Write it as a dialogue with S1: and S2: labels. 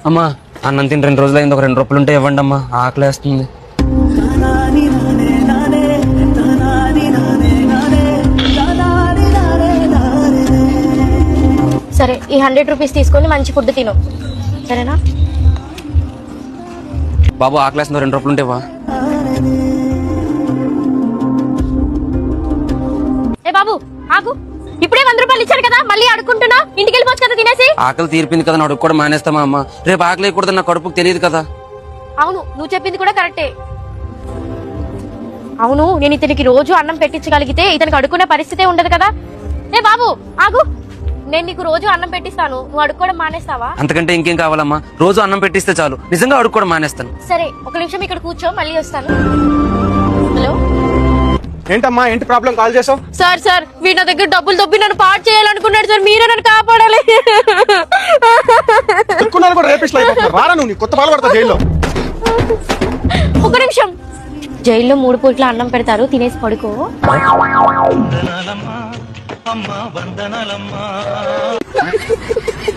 S1: అమ్మా అన్నం తిని 2 రోజులు అయింది, ఒక 2 రూపాయలు ఉంటే ఇవ్వండి అమ్మా, ఆకలేస్తుంది.
S2: సరే, ఈ 100 రూపీస్ తీసుకొని మంచి ఫుడ్ తిను, సరేనా?
S1: బాబు ఆకలేస్తుంది, 2 రూపాయలు ఉంటే ఇవ్వా.
S2: ఏ బాబు ఆగు, ఇప్పుడే 100 రూపాయలు ఇచ్చారు కదా, మళ్ళీ అడుక్కుంటున్నా. ఇంటికి వెళ్ళిపోవచ్చు కదా తినేసి.
S1: ఆకలి తీర్పింది కదా, అడుగు కూడా మానేస్తామా అమ్మా? రేపు ఆకలి వేయకూడదు, నా కడుపుకు తెలియదు కదా.
S2: అవును, నువ్వు చెప్పింది కూడా కరెక్టే. అవును, నేను ఇతనికి రోజు అన్నం పెట్టించగలిగితే ఇతనికి అడుక్కునే పరిస్థితే ఉండదు కదా. ఏ బాబు ఆగు, నేను నీకు రోజు అన్నం పెట్టిస్తాను, నువ్వు అడుక్కోవడం మానేస్తావా?
S1: అంతకంటే ఇంకేం కావాలమ్మా? రోజు అన్నం పెట్టిస్తే చాలు, నిజంగా అడుగు కూడా మానేస్తాను.
S2: సరే, ఒక నిమిషం ఇక్కడ కూర్చో, మళ్ళీ వస్తాను. హలో,
S3: ఏంటమ్మా, ఏంటి ప్రాబ్లం? కాల్ చేసావు?
S2: సార్ వీడి నా దగ్గర డబ్బులు దొబ్బి నన్ను పాడు చేయాలనుకున్నాడు సార్, మీరే నన్ను కాపాడాలి.
S3: అనుకున్నాను కూడా రేపిస్ట్ అయిపోతున్నారు. రారా నువ్వు, నీ కొత్త పాలు పడతా జైల్లో.
S2: ఒక నిమిషం, జైల్లో 3 పూట్ల అన్నం పెడతారు, తినేసి పడుకో.
S4: వందనాలమ్మా, అమ్మా వందనాలమ్మా.